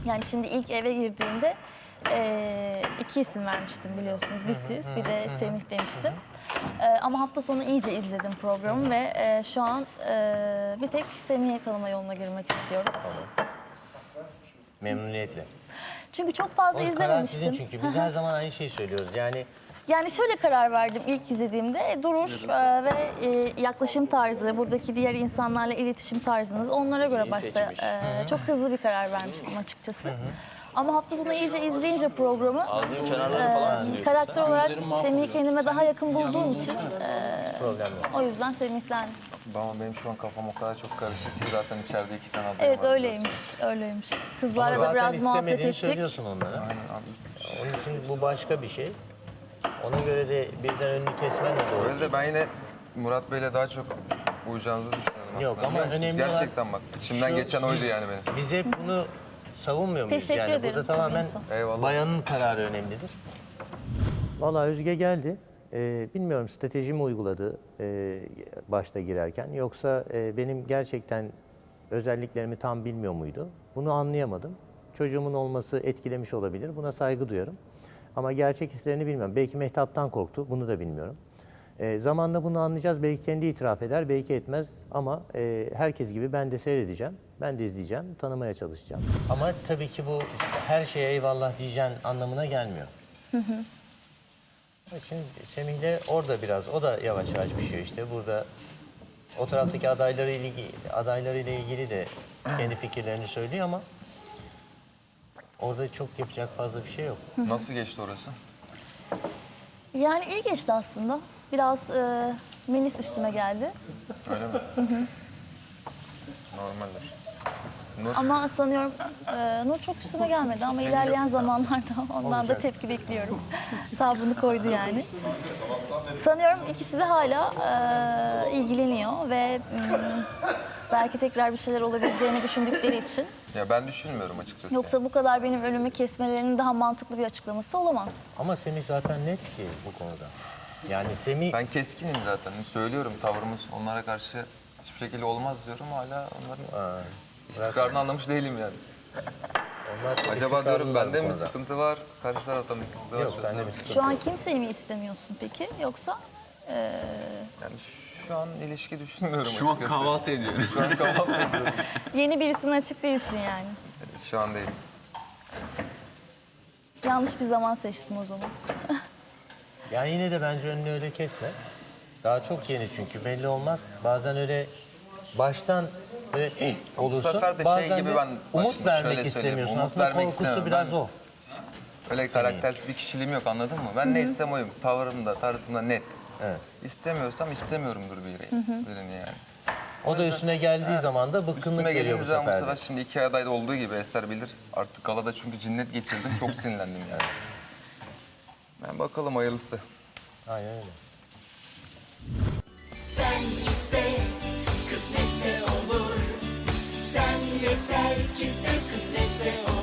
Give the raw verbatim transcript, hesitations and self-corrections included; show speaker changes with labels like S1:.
S1: Yani şimdi ilk eve girdiğimde e, iki isim vermiştim biliyorsunuz. Bir siz, bir de Semih demiştim. E, ama hafta sonu iyice izledim programı ve e, şu an e, bir tek Semih'i tanıma yoluna girmek istiyorum.
S2: Memnuniyetle.
S1: Çünkü çok fazla
S2: O karar
S1: izlememiştim.
S2: sizin çünkü. Biz her zaman aynı şeyi söylüyoruz. Yani
S1: Yani şöyle karar verdim ilk izlediğimde. Duruş e, ve e, yaklaşım tarzı, buradaki diğer insanlarla iletişim tarzınız onlara göre başta e, çok hızlı bir karar vermiştim açıkçası. Ama hafta sonu iyice izleyince programı e, karakter olarak Semih'i kendime daha yakın bulduğum için e,
S2: problem yok.
S1: o yüzden Semih'ten.
S3: Ama benim şu an kafam o kadar çok karışık ki zaten içeride iki tane aday
S1: Evet
S3: var.
S1: öyleymiş, öyleymiş. Kızlarla da
S2: Zaten
S1: biraz muhabbet
S2: istemediğini
S1: ettik.
S2: söylüyorsun onlara.
S3: Aynen abi.
S2: Onun için bu başka bir şey. Ona göre de birden önünü kesmen de doğru.
S3: Öyle de ben yine Murat Bey'le daha çok uyacağınızı düşünüyorum aslında.
S2: Yok ama
S3: biliyor musunuz?
S2: önemli olan-
S3: Gerçekten bak içimden
S2: Şu-
S3: geçen oydu yani benim.
S2: Biz hep bunu savunmuyor muyuz?
S1: Teşekkür
S2: yani
S1: ederim.
S2: burada tamamen
S1: Tabii.
S3: Eyvallah.
S2: bayanın kararı önemlidir. Vallahi Özge geldi. Ee, bilmiyorum strateji mi uyguladı e, başta girerken yoksa e, benim gerçekten özelliklerimi tam bilmiyor muydu? Bunu anlayamadım. Çocuğumun olması etkilemiş olabilir. Buna saygı duyuyorum. Ama gerçek hislerini bilmiyorum. Belki Mehtap'tan korktu. Bunu da bilmiyorum. E, zamanla bunu anlayacağız. Belki kendi itiraf eder, belki etmez. Ama e, herkes gibi ben de seyredeceğim. Ben de izleyeceğim, tanımaya çalışacağım. Ama tabii ki bu her şeye eyvallah diyeceğin anlamına gelmiyor. Şimdi Semih de orada biraz, o da yavaş yavaş pişiyor işte. Burada o taraftaki adayları ilgili, adaylarıyla ilgili de kendi fikirlerini söylüyor ama orada çok yapacak fazla bir şey yok.
S3: Nasıl geçti orası?
S1: Yani iyi geçti aslında. Biraz e, Melis üstüme geldi.
S3: Öyle mi? Normaldir. Nur,
S1: Ama sanıyorum e, Nur çok üstüme gelmedi ama ilerleyen zamanlarda ondan da tepki bekliyorum. Sabrını koydu yani. Sanıyorum ikisi de hala e, ilgileniyor ve m, belki tekrar bir şeyler olabileceğini düşündükleri için.
S3: ya ben düşünmüyorum açıkçası.
S1: Yoksa bu kadar benim önümü kesmelerinin daha mantıklı bir açıklaması olamaz.
S2: Ama Semih zaten net ki bu konuda. Yani Semih...
S3: Ben keskinim zaten. Söylüyorum tavrımız onlara karşı hiçbir şekilde olmaz diyorum. Hala onların
S2: Aa,
S3: istikrarını anlamış değilim yani.
S2: onlar çok
S3: Acaba diyorum
S2: istikrarlılar
S3: bende
S2: bu
S3: mi
S2: konuda.
S3: sıkıntı var? Karşı tarafta mı sıkıntı var?
S2: Yok sende bir sıkıntı
S1: Şu an
S2: yok.
S1: kimseyi mi istemiyorsun peki? Yoksa e,
S3: Yani şu an ilişki düşünmüyorum
S4: Şu an
S3: açıkçası.
S4: kahvaltı ediyorum.
S3: Şu an kahvaltı ediyorum.
S1: yeni birisine açık değilsin yani.
S3: Şu an değil.
S1: Yanlış bir zaman seçtim o zaman.
S2: Yani yine de bence önünü öyle kesme. Daha çok yeni çünkü belli olmaz. Bazen öyle baştan böyle eh, olursun.
S3: sefer de şey
S2: bazen
S3: gibi
S2: de
S3: ben- bak
S2: umut
S3: şimdi
S2: vermek
S3: şöyle söyleyeyim,
S2: istemiyorsun.
S3: umut
S2: Aslında
S3: vermek
S2: korkusu
S3: istemem.
S2: biraz
S3: Ben-
S2: o.
S3: Öyle karaktersiz bir kişiliğim yok anladın mı? Ben neysem oyum. Tavrımda, tarzımda net.
S2: Evet.
S3: İstemiyorsam istemiyorumdur biri, birini yani.
S2: O da üstüne geldiği zaman da bıkkınlık
S3: Üstüme
S2: geliyor
S3: geldiğim
S2: bu
S3: zaman bu
S2: sefer de.
S3: sefer şimdi iki adayda olduğu gibi Eser bilir. Artık galada çünkü cinnet geçirdim. Çok sinirlendim yani. Ben bakalım hayırlısı.
S2: Aynen öyle.
S5: Sen iste, kısmetse olur. Sen yeter ki sev, kısmetse olur.